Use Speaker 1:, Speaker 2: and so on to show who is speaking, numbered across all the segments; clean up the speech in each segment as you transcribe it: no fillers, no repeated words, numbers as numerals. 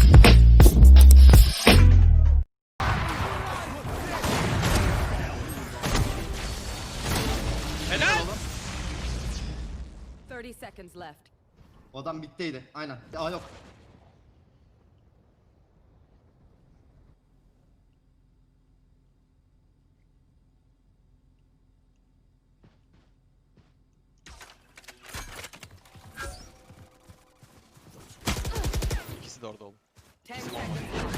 Speaker 1: Helal.
Speaker 2: 30 seconds left.
Speaker 3: O adam bitteydi. Aynen. Aa yok.
Speaker 1: İkisi de orada oğlum.
Speaker 2: 10 seconds.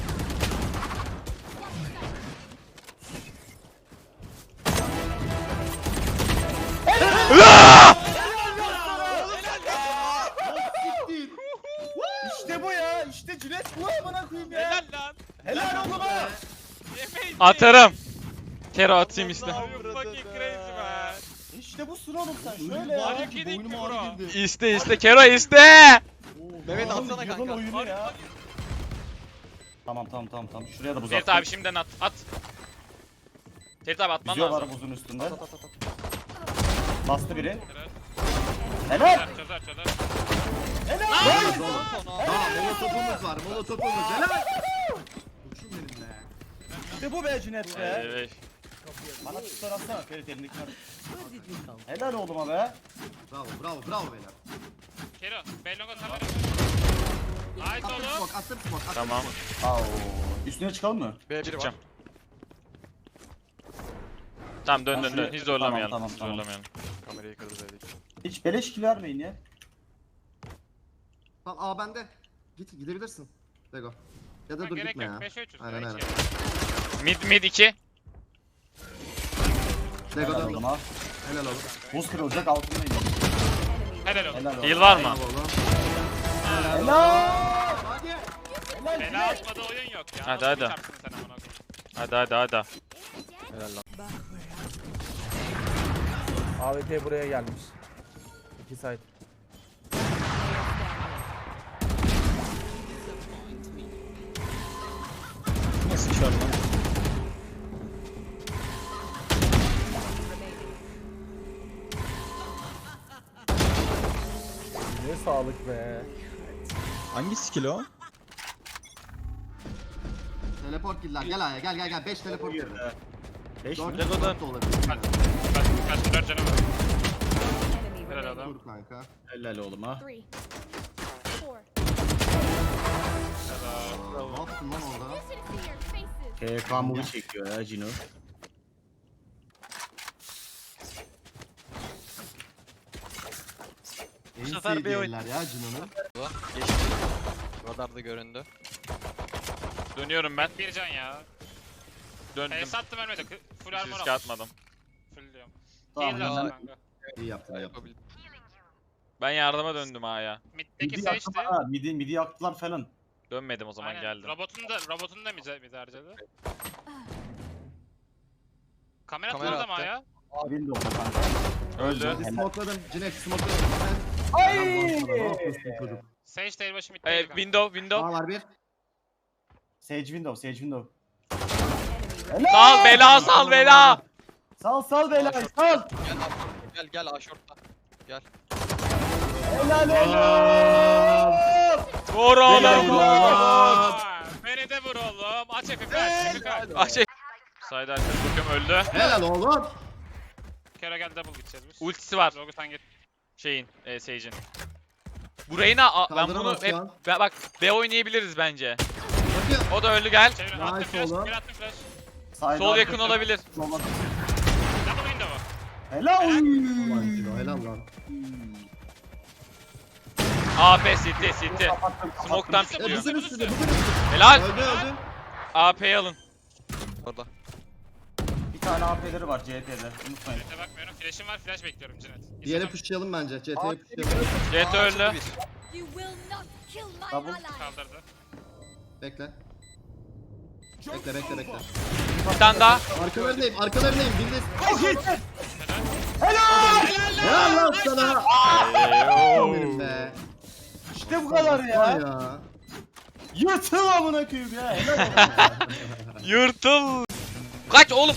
Speaker 4: İşte bu ya. İşte Cület bu amına koyayım ya.
Speaker 1: Helal lan.
Speaker 4: Helal oğlum ha.
Speaker 1: Yemeyiz.
Speaker 5: Atarım. Kero atayım işte.
Speaker 1: You fucking crazy man.
Speaker 4: İşte bu sun oğlum sen
Speaker 3: Oyunu
Speaker 4: şöyle ya.
Speaker 3: bağırdı
Speaker 1: Hak
Speaker 3: ki,
Speaker 1: edin
Speaker 3: boynum
Speaker 1: ki
Speaker 3: ağrı
Speaker 1: bro.
Speaker 3: girdi.
Speaker 5: İste Kero iste.
Speaker 4: Mehmet
Speaker 1: atsana kanka.
Speaker 4: oyunu ya. Tamam. Şuraya da buz
Speaker 5: Ferit
Speaker 4: at.
Speaker 5: abi şimdiden at. At. Ferit abi atman
Speaker 4: Yüzüyor var
Speaker 5: lazım.
Speaker 4: buzun üstünde. Bastı biri.
Speaker 1: Helal.
Speaker 4: Helal.
Speaker 1: Çözer çözer.
Speaker 3: Nice oğlum. Tamam molotofumuz var. Molotofumuz. Helal. Uçum benim be.
Speaker 4: İşte bu be Cület be.
Speaker 5: Evet.
Speaker 4: Bana tutar atsana Ferit elindekiler. Helal oğluma be.
Speaker 3: Bravo beyler.
Speaker 1: Kero. Bellonga kamera. Nice
Speaker 3: Attım
Speaker 1: oğlum.
Speaker 3: smoke, attım smoke. attım
Speaker 5: Tamam.
Speaker 3: smoke.
Speaker 4: Au. Üstüne çıkalım mı?
Speaker 5: Çıkacağım. Tamam dön dön dön. Hiç zorlamayalım.
Speaker 4: Tamam.
Speaker 5: Hiç zorlamayalım.
Speaker 1: Kamerayı kırdı dedik.
Speaker 4: Hiç beleş kill vermeyin ya.
Speaker 3: Tamam aa bende. Gidebilirsin. Lego. Ya da dur
Speaker 1: Gerek
Speaker 3: gitme
Speaker 1: yok.
Speaker 3: ya.
Speaker 1: 5'e 3'üz.
Speaker 3: Aynen aynen.
Speaker 5: Mid 2.
Speaker 3: Lego
Speaker 4: Helal
Speaker 3: da
Speaker 4: oğluma.
Speaker 3: helal oğlum.
Speaker 4: Buz kırılacak altına inin.
Speaker 1: Helal olsun.
Speaker 4: Helal oğlum.
Speaker 5: Heal var mı?
Speaker 3: Bravo oğlum.
Speaker 4: Helal.
Speaker 3: Hadi.
Speaker 4: Helal
Speaker 1: Bela
Speaker 4: Cület.
Speaker 1: atmadı oyun yok ya.
Speaker 5: Hadi,
Speaker 1: Nasıl
Speaker 5: hadi.
Speaker 1: bir çarpsın sen amına koyayım?
Speaker 5: Hadi.
Speaker 6: AWP buraya gelmiş. 2 side.
Speaker 4: Nasıl şart lan?
Speaker 6: Ne sağlık be.
Speaker 7: Hangi skill o?
Speaker 3: Teleport killer. Gel aya gel. 5 teleport girdi.
Speaker 4: 5
Speaker 3: 4
Speaker 4: mi?
Speaker 3: teleport da olabilir.
Speaker 1: Kaç 4 canım var.
Speaker 2: Enemy
Speaker 1: Helal
Speaker 2: remaining.
Speaker 1: adam.
Speaker 3: Dur kanka.
Speaker 4: Helal oğluma.
Speaker 2: 3, 4.
Speaker 3: Ne yaptın lan orada?
Speaker 4: KK movie çekiyor ya Cino.
Speaker 3: En
Speaker 1: sefer bir
Speaker 3: sevdiği
Speaker 1: oyun.
Speaker 3: eller ya Cino'nun.
Speaker 1: Geçti. Radarda göründü.
Speaker 5: Dönüyorum ben.
Speaker 1: Bir can ya.
Speaker 5: Döndüm.
Speaker 1: Sattım ölmedi. Full
Speaker 5: Hiç
Speaker 1: armor
Speaker 5: risk
Speaker 1: al.
Speaker 5: atmadım.
Speaker 1: Full diyorum.
Speaker 4: Tamam,
Speaker 1: Heal lazım
Speaker 4: ben-
Speaker 1: kanka.
Speaker 3: İyi yaptın.
Speaker 5: Ben yardıma döndüm ya.
Speaker 1: Mid'deki
Speaker 4: Midi
Speaker 1: seçti.
Speaker 4: yaktılar ha. Midi yaktılar falan.
Speaker 5: Dönmedim o zaman
Speaker 1: Aynen.
Speaker 5: geldim.
Speaker 1: Robotunu da mid harcadı. Kamera atmadı ama ya.
Speaker 4: Windows'da kanka.
Speaker 5: Öldü.
Speaker 3: Hadi smokeladım. Cinek smokeladım.
Speaker 4: Ay!
Speaker 3: Ne yapıyorsun çocuk?
Speaker 1: Sage tail başı mid'deydi kanka.
Speaker 5: Window.
Speaker 3: Aa var bir.
Speaker 4: Sage window.
Speaker 2: Enemy
Speaker 5: Sal bela sal bela.
Speaker 4: Sal beyler sal.
Speaker 1: Gel A short'ta.
Speaker 4: Helal oğlum.
Speaker 5: Vur oğlum.
Speaker 1: Beni de vur oğlum. Aç FF kaç.
Speaker 5: Ah şey. Sayda arkadaş bakıyorum öldü.
Speaker 3: Helal oğlum.
Speaker 1: Kero gel double gideceğiz biz.
Speaker 5: Ultisi var.
Speaker 1: Zogu sen git.
Speaker 5: Şeyin, Sage'in. Burayı ben bunu
Speaker 3: Kaldıramaz
Speaker 5: hep
Speaker 3: şu an.
Speaker 5: bak B oynayabiliriz bence.
Speaker 3: Bakıyor.
Speaker 5: O da öldü gel.
Speaker 1: Çevir.
Speaker 3: Nice
Speaker 1: Attım flash.
Speaker 3: oğlum.
Speaker 1: Bir attım flash.
Speaker 4: Side
Speaker 5: Sol
Speaker 4: up.
Speaker 5: yakın olabilir.
Speaker 4: Olmadı.
Speaker 1: Double window'u.
Speaker 4: Helal.
Speaker 3: Ulan Cino helal lan.
Speaker 5: AP City.
Speaker 4: Kapattım.
Speaker 5: Smoke'tan
Speaker 3: E
Speaker 5: pikliyor.
Speaker 3: bizim üstünde. Öldü
Speaker 5: Helal.
Speaker 3: öldü.
Speaker 5: AP'yi alın.
Speaker 1: Orada.
Speaker 4: Bir tane AP'leri var CT'de. Unutmayın.
Speaker 1: Jet'e bakmıyorum. Flash'im var. Flash bekliyorum Cinet.
Speaker 3: Diğeri pushlayalım bence. CT'ye pushlayalım.
Speaker 5: CT öldü.
Speaker 2: You will not kill my
Speaker 4: Double.
Speaker 2: ally.
Speaker 1: Kaldırdı.
Speaker 3: Bekle. Bekle.
Speaker 5: Bir tane daha.
Speaker 3: Arkalarındayım. Bildiz.
Speaker 4: Helal.
Speaker 3: Helal lan sana.
Speaker 5: Eyyoo.
Speaker 3: Benim be.
Speaker 4: İşte bu kadar
Speaker 3: Vay
Speaker 4: ya.
Speaker 3: ya.
Speaker 4: Yırtıl amına koyayım ya. Helal oğlum.
Speaker 5: Yırtıl. Kaç oğlum.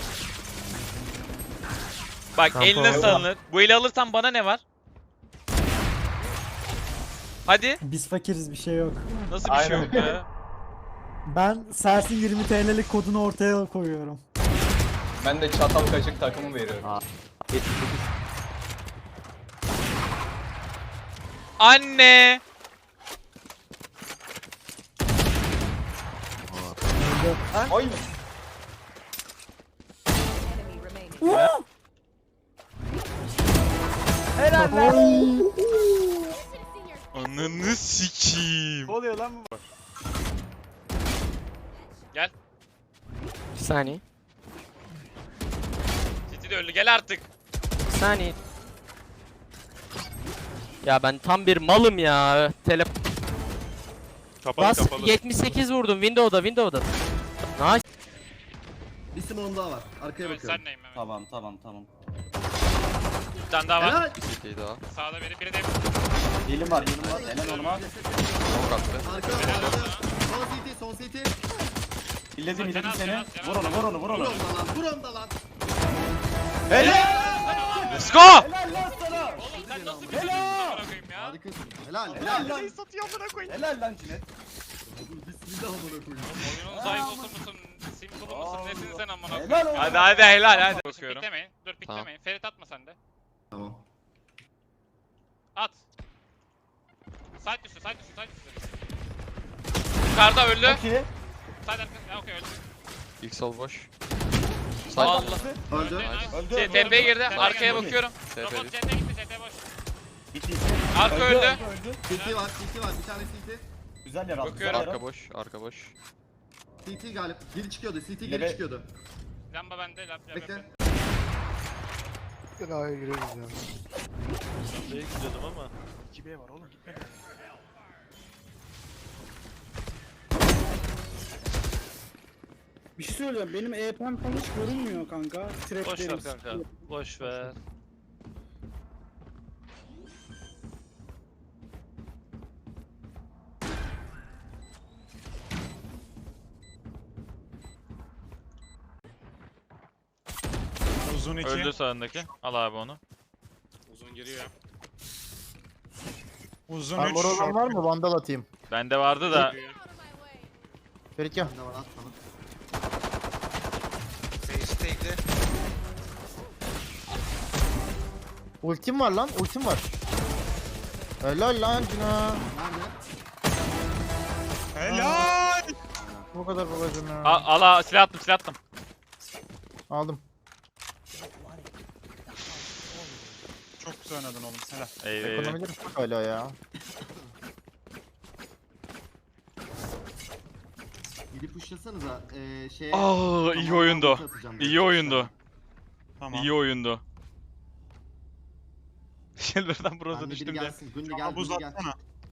Speaker 5: Bak
Speaker 6: Tamam,
Speaker 5: eline
Speaker 6: tamam.
Speaker 5: salınır. Bu eli alırsan bana ne var? Hadi.
Speaker 8: Biz fakiriz bir şey yok.
Speaker 5: Nasıl bir şey yok ya?
Speaker 8: Ben Sersin 20 TL'lik kodunu ortaya koyuyorum.
Speaker 9: Ben de çatal kaşık takımı veriyorum.
Speaker 5: Anne!
Speaker 9: Ay.
Speaker 2: Enemy remaining.
Speaker 5: Ananı sikiyim.
Speaker 4: Ne oluyor lan bu?
Speaker 5: Gel.
Speaker 10: Bir saniye.
Speaker 5: Titi de öldü gel artık.
Speaker 10: Bir saniye. Ya ben tam bir malım ya. Bas 78 vurdum Windows'da. Nice.
Speaker 3: Bir smoke'um daha var. Arkaya
Speaker 1: Evet,
Speaker 3: bakıyorum.
Speaker 1: sen neyim Mehmet?
Speaker 4: Tamam.
Speaker 5: Bir tane daha var.
Speaker 3: Helal.
Speaker 1: Sağda biri de
Speaker 4: Dilim var. Helal oğlum ha.
Speaker 3: Arka. Son CT.
Speaker 4: İlledim seni. Vur onu.
Speaker 3: Vur onda lan. Vur onda lan.
Speaker 5: Let's go!
Speaker 4: Helal lan sana.
Speaker 1: Oğlum sen nasıl bir çocuksun amına koyayım ya?
Speaker 3: Harikasın. Helal.
Speaker 4: Helal lan.
Speaker 5: Satıyor amına koyayım.
Speaker 4: Helal lan Cinet.
Speaker 3: Bismillah amına koyayım.
Speaker 1: Oyunun zayıfısı mısın? Simple mısın? Nesin sen amına koyayım?
Speaker 4: Helal oğlum.
Speaker 5: Hadi helal. Bakıyorum.
Speaker 1: Piklemeyin. Dur piklemeyin. Ferit atma sen de.
Speaker 3: Tamam.
Speaker 1: At. Side üstü.
Speaker 5: Yukarıda öldü.
Speaker 4: Çok iyi.
Speaker 1: Side arka. Ya okey öldü.
Speaker 7: İlk sol boş.
Speaker 5: Allah.
Speaker 3: Öldü.
Speaker 4: Öldü.
Speaker 5: TP'ye girdi.
Speaker 1: TP
Speaker 5: Arkaya
Speaker 1: geldi.
Speaker 5: bakıyorum.
Speaker 1: Robot CT gitti. CT boş.
Speaker 4: Gitti.
Speaker 5: Arka öldü.
Speaker 3: CT var. Bir tane CT.
Speaker 4: Güzel yer aldı.
Speaker 5: Bakıyorum.
Speaker 4: Güzel yer aldı.
Speaker 7: Arka boş.
Speaker 3: CT galip. Geri çıkıyordu. CT
Speaker 4: Lebe-
Speaker 3: geri çıkıyordu.
Speaker 1: Lamba bende. Lamba
Speaker 3: Bekle.
Speaker 1: bende.
Speaker 8: Bir şey söyleyeceğim. Benim EP'm falan hiç görünmüyor kanka.
Speaker 1: Boş ver kanka. Boş ver.
Speaker 6: Uzun
Speaker 5: Öldü sağındaki. Al abi onu.
Speaker 1: Uzun giriyor.
Speaker 6: Uzun
Speaker 8: Armor olan var mı? Vandal atayım.
Speaker 5: Bende vardı da.
Speaker 8: Ferit gel.
Speaker 3: Ne var at sana.
Speaker 8: Ultim var lan. Ultim var. Helal lan Cina.
Speaker 3: Nerede?
Speaker 6: Helal.
Speaker 8: Bu kadar babacım ya.
Speaker 5: Al silah attım.
Speaker 8: Aldım.
Speaker 6: Çok güzel oynadın oğlum. Helal.
Speaker 5: Eyvah.
Speaker 8: Ekonomileri çok hala ya.
Speaker 3: Gidip pushlasanıza. Şeye.
Speaker 5: Aa iyi oyundu.
Speaker 3: Atacağım
Speaker 5: İyi oyundu.
Speaker 6: Tamam.
Speaker 5: İyi oyundu. Shelter'dan
Speaker 3: Ben
Speaker 5: Bros'a
Speaker 3: de biri
Speaker 5: düştüm de.
Speaker 3: gelsin. Gündü gel.
Speaker 6: Bana buz
Speaker 3: Gündü gel.
Speaker 6: atsana.